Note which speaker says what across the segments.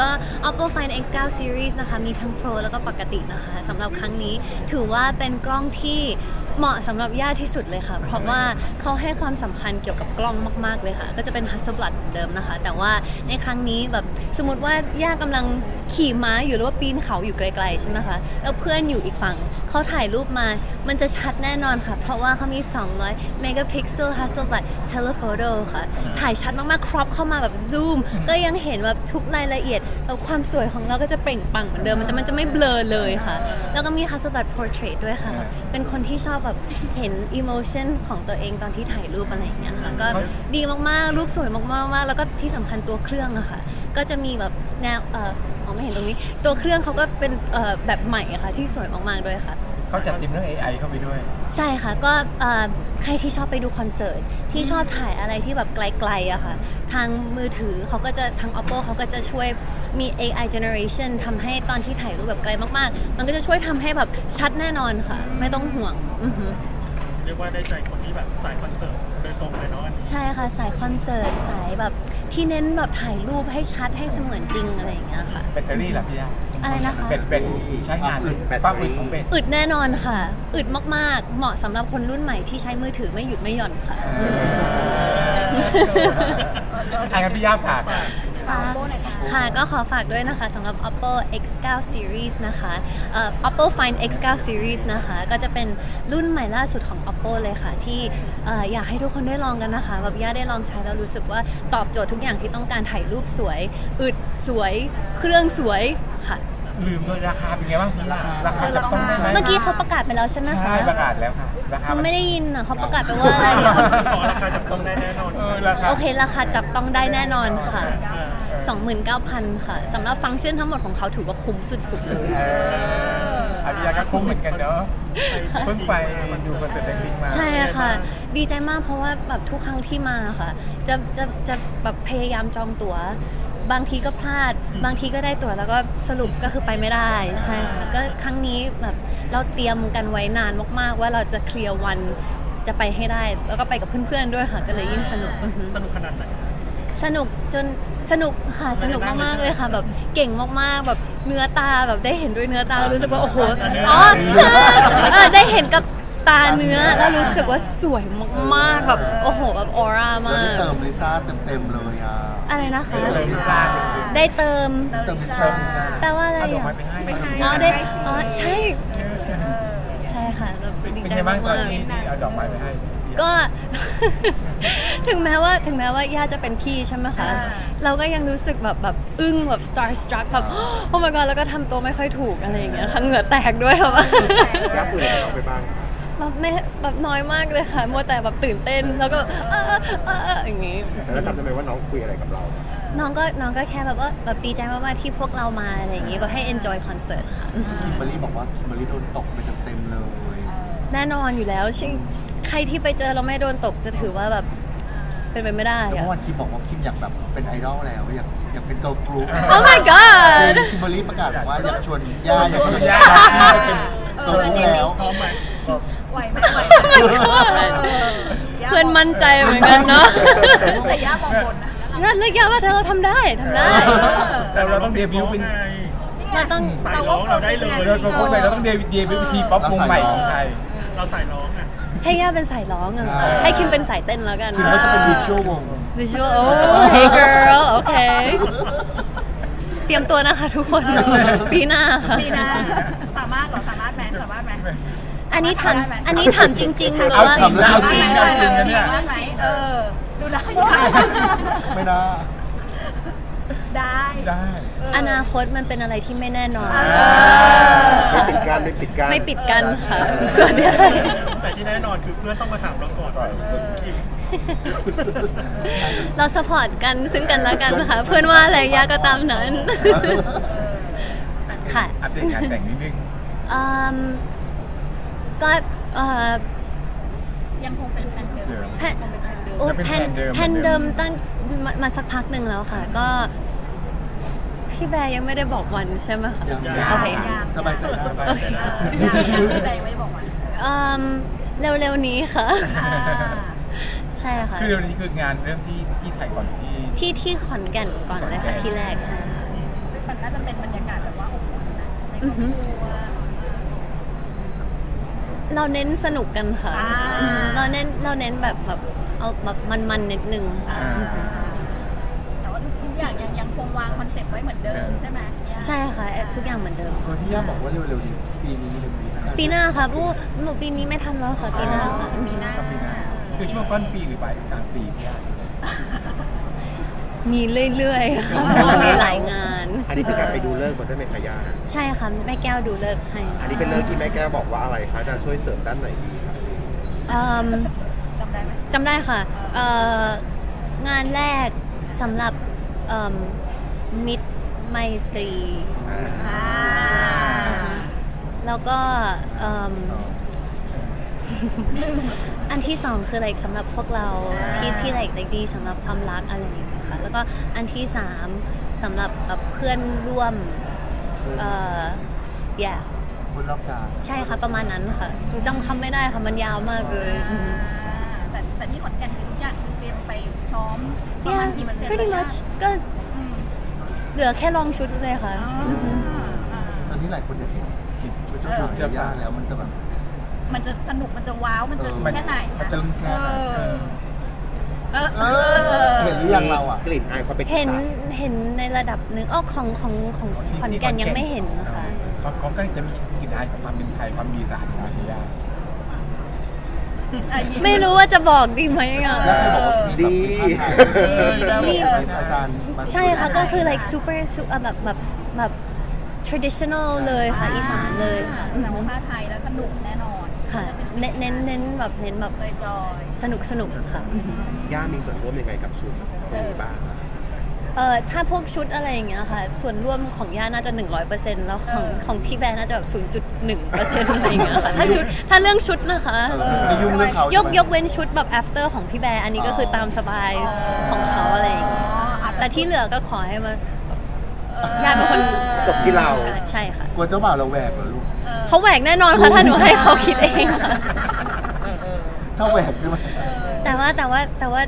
Speaker 1: Oppo Find X9 Series นะคะมีทั้ง Pro แล้วก็ปกตินะคะสำหรับครั้งนี้ถือว่าเป็นกล้องที่เหมาะสำหรับย่าที่สุดเลยค่ะเพราะว่าเขาให้ความสำคัญเกี่ยวกับกล้องมากๆเลยค่ะก็จะเป็น Hasselblad เหมือนเดิมนะคะแต่ว่าในครั้งนี้แบบสมมติว่าย่ากำลังขี่ม้าอยู่หรือว่าปีนเขาอยู่ไกลๆใช่ไหมคะแล้วเพื่อนอยู่อีกฝั่งเขาถ่ายรูปมามันจะชัดแน่นอนค่ะเพราะว่าเขามี200 megapixel Hasselblad telephoto ค่ะถ่ายชัดมากๆครอปเข้ามาแบบซูมก็ยังเห็นแบบทุกรายละเอียดแล้วความสวยของเราก็จะเปล่งปลั่งเหมือนเดิมมันจะไม่เบลอเลยค่ะแล้วก็มี Hasselblad portrait ด้วยค่ะเป็นคนที่ชอบแบบเห็น emotion ของตัวเองตอนที่ถ่ายรูปอะไรอย่างเงี้ยค่ะก็ดีมากๆรูปสวยมากๆแล้วก็ที่สำคัญตัวเครื่องอะค่ะก็จะมีแบบแนวไม่เห็นตรงนี้ตัวเครื่องเขาก็เป็นแบบใหม่อะค่ะที่สวยมากๆด้วยค่ะ
Speaker 2: เขาจัดทีมเรื่อง AI เข้าไปด้วย
Speaker 1: ใช่ค่ะก็ใครที่ชอบไปดูคอนเสิร์ตที่ชอบถ่ายอะไรที่แบบไกลๆอะค่ะทางมือถือเขาก็จะทาง Oppo เขาก็จะช่วยมี AI generation ทำให้ตอนที่ถ่ายรูปแบบไกลมากๆมันก็จะช่วยทำให้แบบชัดแน่นอนค่ะไม่ต้องห่วง
Speaker 3: เรียกว่าได้ใจคนที่แบบสายคอนเสิร์ตโดยตรงเลยเนาะ
Speaker 1: ใช่ค่ะสายคอนเสิร์ตสายแบบที่เน้นแบบถ่ายรูปให้ชัดให้เสมือนจริงอะไรอย่างเงี้ยค่ะ
Speaker 2: แบตเตอรี่ล่ะพี่ย่า
Speaker 1: อะไรนะคะ
Speaker 2: เป็นใช้งานความอึดของเป็น
Speaker 1: อึดแน่นอนค่ะอึดมากๆเหมาะสำหรับคนรุ่นใหม่ที่ใช้มือถือไม่หยุดไม่หย่อนค่ะ
Speaker 2: งั้นพี่ย่าฝาก
Speaker 1: ค่ะก็ขอฝากด้วยนะคะสำหรับ Oppo X9 Series นะคะ Oppo Find X9 Series นะคะก็จะเป็นรุ่นใหม่ล่าสุดของ Oppo เลยค่ะที่อยากให้ทุกคนได้ลองกันนะคะแบบย่าได้ลองใช้แล้วรู้สึกว่าตอบโจทย์ทุกอย่างที่ต้องการถ่ายรูปสวยอึดสวยเครื่องสวยค่ะ
Speaker 2: ลืมด้วยราคาเป็นไงบ้างพี่ย่าราคาจับต้องได้ไหม
Speaker 1: เมื่อกี้เขาประกาศไปแล้วใช่ไหมคะ
Speaker 2: ใช่ประกาศแล้วค่ะราคา
Speaker 1: ไม่ได้ยินอ่ะเขาประกาศไปว่าอะไร
Speaker 3: ราคาจับต้องได้แน่นอน
Speaker 1: โอเคราคาจับต้องได้แน่นอนค่ะ29,000 ค่ะสำหรับฟังก์ชันทั้งหมดของเขาถือว่าคุ้มสุดๆเลย
Speaker 2: พี่ย่าก็คุ้มเหมือนกันเนาะเพิ่งไปดูคอนเสิร์ตเด็กๆมา
Speaker 1: ใช่ค่ะดีใจมากเพราะว่าแบบทุกครั้งที่มาค่ะจะแบบพยายามจองตั๋วบางทีก็พลาดบางทีก็ได้ตั๋วแล้วก็สรุปก็คือไปไม่ได้ใช่ค่ะก็ครั้งนี้แบบเราเตรียมกันไว้นานมากๆว่าเราจะเคลียร์วันจะไปให้ได้แล้วก็ไปกับเพื่อนๆด้วยค่ะก็เลยยิ่งสนุก
Speaker 3: ขนาดไหน
Speaker 1: สนุกจนสนุกค่ะสนุกมากๆเลยค่ะแบบเก่งมากๆแบบเนื้อตาแบบได้เห็นด้วยเนื้อตารู้สึกว่าโอ้โหได้เห็นกับตาเนื้อแล้วรู้สึกว่าสวยมากๆแบบโอ้โหแบบออร่ามาก
Speaker 4: เติมลิซ่าเต็มๆเลย
Speaker 1: อะไรนะคะได้เติมแปลว่าอะไรอ่ะได้ใช่ค่ะดีใจมาก
Speaker 2: ๆเอาดอกไม้ไปให้
Speaker 1: ก็ ถึงแม้ว่าย่าจะเป็นพี่ใช่ไหมคะเราก็ยังรู้สึกแบบอึ้งแบบ starstruck แบบ โอ้ my god แล้วก็ทำตัวไม่ค่อยถูกอะไรอย่างเงี้ยค่ะเหงื่อแตกด้วยค่ะว่า
Speaker 4: ย่าเปิดอะไรออกไปบ้าง
Speaker 1: แบบน้อยมากเลยค่ะมัวแต่แบบตื่นเต้นแล้วก็อย่างงี้
Speaker 4: แล้วจำได้ไหมว่าน้องคุยอะไรกับเรา
Speaker 1: น้องก็แค่แบบว่าแบบดีใจมากๆที่พวกเรามาอะไรอย่างงี้แบบให้ enjoy concert ค่ะ
Speaker 4: คิมเบอร์รี่บอกว่าคิมเบอร์รี่โดนตกไปเต็มๆเลย
Speaker 1: แน่นอนอยู่แล้วใครที่ไปเจอเราไม่โดนตกจะถือว่าแบบเป็นไปไม่ได้
Speaker 4: อะเมื่อวานคิมบอกว่าคิมอยากแบบเป็นไอดอลแล้วอยากเป็นเกิร์ลกรุ๊ป
Speaker 1: Oh my god
Speaker 4: คิมเบอร์รี่ประกาศว่าอยากชวนย่าเป็นเกิร์ลกรุ๊ปแล้ว
Speaker 3: พร้อมไหม
Speaker 5: ไหวไหม
Speaker 1: เพื่อนมั่นใจเหมือนกันเนาะ
Speaker 5: แต่ย่ามองบน
Speaker 1: นะเลือกย่าว่าเราทำได้
Speaker 2: แต่เราต้องเดบิวต์เป็น
Speaker 1: เราต้อง
Speaker 3: สายร้องเราได้เลย
Speaker 2: เราต้องเดบิวต์ทีป๊อปวงใหม่ของไทย
Speaker 3: เราสายร้องอ่ะ
Speaker 1: ให้ย่าเป็นสายร้องอ่ะให้คิมเป็นสายเต้นแล้วกัน
Speaker 4: คิมก็จะเป็นวิชวลวง
Speaker 1: โอ้ hey girl โอเคเตรียมตัวนะคะทุกคนปีหน้าค่ะ
Speaker 5: สามารถไหม
Speaker 1: อันนี้ถามจริงๆหรือว่า
Speaker 2: เอาจริง
Speaker 5: ไหมดูได้
Speaker 4: ไม่ได้
Speaker 1: อนาคตมันเป็นอะไรที่ไม่แน่นอน
Speaker 4: ไม่ปิด
Speaker 1: กั้นค่ะ
Speaker 3: แต่ที่แน่นอนคือเพื่อนต้องมาถามเราก่อน
Speaker 1: เราสปอร์ตกันซึ่งกันและกันค่ะเพื่อนว่าอะไรย่าก็ตามนั้นค่ะ
Speaker 2: อัปเดตงานแต่งนิดนึง
Speaker 1: ก็
Speaker 5: ยังคงเป็นแผนเดิม
Speaker 1: แผนเดิมตั้งมาสักพักหนึ่งแล้วค่ะก็พี่แบร์ยังไม่ได้บอกวันใช่ไหมคะโอเค
Speaker 4: สบายใจได้
Speaker 5: พี่แบร์ไม่บอกวัน
Speaker 1: เร็วๆนี้ค่ะใช่ค่ะ
Speaker 2: คือเร็วนี้คืองานเริ่มที่ไทยก่อนที่
Speaker 1: ขอนแก่นก่อนเลยค่ะที่แรกใช่ค่ะ
Speaker 5: ตมันน่าจะเป็นบรรยากาศแบบว่าอบอุ่นนะในครอบครัว
Speaker 1: เราเน้นสนุกกันค่ะ
Speaker 5: อ่า
Speaker 1: เราเน้นแบบเอาแบบมันนิดนึงค่ะ
Speaker 5: แต่ว่าทุกอย่างยังคงวางคอนเซ็ปต์ไว้เหมือนเดิมใช่ไหม
Speaker 1: ใช่ค่ะทุกอย่างเหมือนเดิม
Speaker 4: ตัวที่ย่าบอกว่าเร็วๆนี้ปีนี้หรือปีหน้า
Speaker 1: ปีหน้าค่ะหนูปีนี้ไม่ทันแล้วค่ะปีหน้าค่ะ
Speaker 5: ปีหน้า
Speaker 2: ก็ปีหน้าคือช่วงต้นปีหรือปลายกลางปีพี่ย่า
Speaker 1: มีเรื่อยๆค่ะเพราะว่ามีหลายงาน
Speaker 6: อันนี้เป็นการไปดูเลิกษ์มาด้วยไหมคะย่า
Speaker 1: ใช่ค่ะแม่แก้วดูเลิกษ์ให้
Speaker 6: อันนี้เป็นเลิกษ์ที่แม่แก้วบอกว่าอะไรคะจะช่วยเสริมด้านไหนดีคะ
Speaker 1: อืม
Speaker 5: จำได้ไหม
Speaker 1: จำได้ค่ะงานแรกสำหรับมิตรไมตรี
Speaker 5: อ่า
Speaker 1: แล้วก็อันที่สองคือ like สำหรับพวกเราที่ like ดีสำหรับความรักอะไรอย่างเงี้ยค่ะแล้วก็อันที่สามสำหรับเพื่อนร่วมyeah
Speaker 4: คนรอบกาย
Speaker 1: ใช่ค่ะประมาณนั้นค่ะหนูจำคำไม่ได้ค่ะมันยาวมากเลยอือฮึ
Speaker 5: แต่ที่ขอนแก่นคือทุกอย่างคือเตรียมไปพร้อมประมา
Speaker 1: yeah
Speaker 5: ณกี่เปอร์เซ็นต์
Speaker 1: pretty
Speaker 5: แล้ว
Speaker 1: much ก็เหลือแค่ลองชุดเลยค่ะอือฮึ
Speaker 4: ตอนนี้หลายคนอยากเห็นชุดเจ้าสาวย่าแล้วมันจะแบบ
Speaker 5: มันจะสนุกมันจะว้าวมันจะแค่ไหน
Speaker 2: มันจะลุ้นแค่ไหน
Speaker 4: เห็นหรือยังเราอ่ะ
Speaker 6: กลิ่นอายความเป็นอี
Speaker 1: เห็น
Speaker 6: สาน
Speaker 1: เห็นในระดับหนึ่งของขอนแก่นยังไม่เห็นนะคะ
Speaker 2: เขาก็จะมีกลิ่นอายของความเป็นไทยความมีสารสารพี่ย่า
Speaker 1: ไม่รู้ว่าจะบอกดีไหมอ่ะ
Speaker 4: แล้วใครบอกว่ามีแบบ
Speaker 1: มี
Speaker 4: อาจารย์มา
Speaker 1: ใช่ค่ะก็คือ like super แบบ traditional เลยค่ะอีสานเลยค่ะ
Speaker 5: แต่ว่าผ้าไทยแล้วสนุกแน่นอน
Speaker 1: ค่ะเน้นแบบ
Speaker 5: จอย
Speaker 1: สนุกค่ะ
Speaker 6: ย่ามีส่วนร่วมยังไงกับชุดนี้บ้างคะ
Speaker 1: ถ้าพวกชุดอะไรอย่างเงี้ยค่ะ ส่วนร่วมของย่าน่าจะ 100%แล้วของพี่แบร์น่าจะแบบ 0.1% อะไรอย่างเงี้ยค่ะถ้าเรื่องชุดนะคะ
Speaker 4: ไม่ยุ่งเรื่องเขา
Speaker 1: ยกเว้นชุดแบบ after ของพี่แบร์อันนี้ก็คือตามสบายของเขาอะไรอย่างเงี้ยแต่ที่เหลือก็ขอให้มาย่าเป็นคน
Speaker 6: จบที่เรา
Speaker 1: ใช่ค่ะ
Speaker 4: กลัวเจ้าบ่าวเราแหวกเหรอลูก
Speaker 1: เขาแหวกแน่นอนค่ะถ้าหนูให้เขาคิดเองค่ะ
Speaker 4: ชอบแหวกใช่ไหม
Speaker 1: แต่ว่า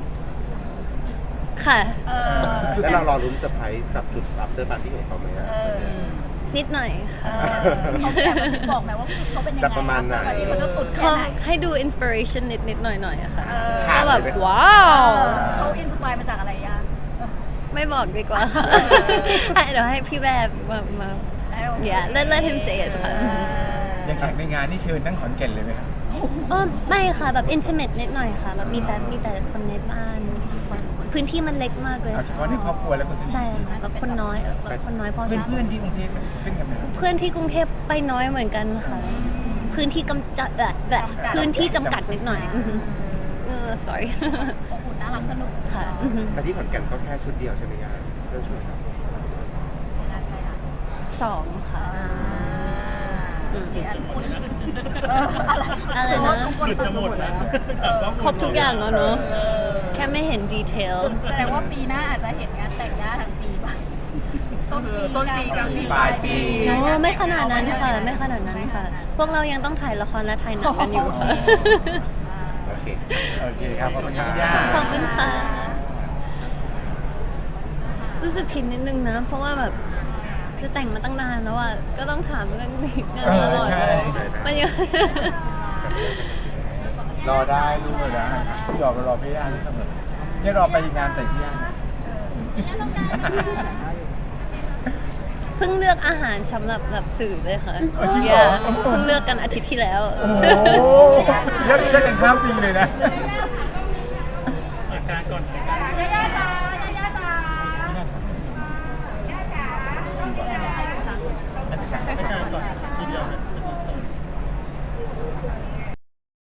Speaker 1: ค่ะ
Speaker 6: แล้วเรารอรุ้นเซอร์ไพรส์กับชุด after party ของเขาไหมอะ
Speaker 1: นิดหน่อยค่ะ
Speaker 5: เขาบอกไหมว่าเขาเป็นยังไง
Speaker 6: จะประมาณไหน
Speaker 5: เขาจะสุดแค่
Speaker 1: เขา
Speaker 5: ไหน
Speaker 1: ให้ดู inspiration นิดหน่อยอะค่ะ
Speaker 6: ผ่าน
Speaker 1: ก็แบบ
Speaker 6: เลยไหม
Speaker 1: ว้าว
Speaker 5: เขาอินสปายมาจากอะไรย่า
Speaker 1: ไม่บอกดีกว่าเดี๋ยวให้พี่แบบมา yeah let him say it ค่ะ
Speaker 2: อย่างแขกในงานนี่เชิญทั้งขอนแก่นเลยไหมครับ
Speaker 1: ไม่ค่ะแบบ intimate นิดหน่อยค่ะแบบมีแต่คนในบ้านพอสมควรพื้นที่มันเล็กมากเลย
Speaker 2: เอาเฉ
Speaker 1: ค่ะ
Speaker 2: พาะในครอบครัวแล้วคนสนิท
Speaker 1: ใช่ค่ะแบบคนน้อยแบบคนน้อยพอสมควร
Speaker 2: เพื่อนๆที่กรุงเทพขึ้นกันไหม
Speaker 1: เพื่อนที่กรุงเทพไปน้อยเหมือนกันค่ะ พื้นที่กำจัดแบบพื้นที่จำกัดนิดหน่อยอือฮึsorry
Speaker 5: อบอุ่นน่ารักสนุก
Speaker 1: ค่ะอือฮึ
Speaker 6: แต่ที่ขอนแก่นก็แค่ชุดเดียวใช่ไหมย่าเรื่องชุดครับ
Speaker 5: น่าใช่ค่ะ
Speaker 1: 2 ค่ะ อะไรนะ
Speaker 3: หยุดจะหมดแล้ว
Speaker 1: ครบทุกอย่างแล้วเนอะแค่ไม่เห็นดีเทล
Speaker 5: แสดงว่าปีหน้าอาจจะเห็นงานแต่งย่าทั้งปีป่ะต้นปีกลางปี
Speaker 2: ปลายปี
Speaker 1: โอ้ไม่ขนาดนั้นค่ะ ไม่ขนาดนั้นค่ะ พวกเรายังต้องถ่ายละครและถ่ายหนังกันอยู่ค่ะ
Speaker 6: โอเค
Speaker 2: โอเคครับขอบคุณครับพี่ย่า
Speaker 1: ขอบคุณค่ะ รู้สึกผิดนิดนึงนะ เพราะว่าแบบจะแต่งมาตั้งนานแล้วอ่ะ ก็ต้องถามเรื่องนี้กันตลอด
Speaker 2: ใช่
Speaker 1: มันยัง
Speaker 4: รอได้ลูก
Speaker 2: เออนะพี่รอพี่ย่าที่เสมอนี่รอไปงานแต่งพี่ย่า
Speaker 1: เพิ่งเลือกอาหารสำหรับแบบสื่อเลยค่ะ
Speaker 2: จริงเหรอ
Speaker 1: เพิ่งเลือกกันอาทิตย์ที่แล้ว
Speaker 2: โอ้โหเลิกกันข้ามปีเลยนะ
Speaker 3: อาการก่อน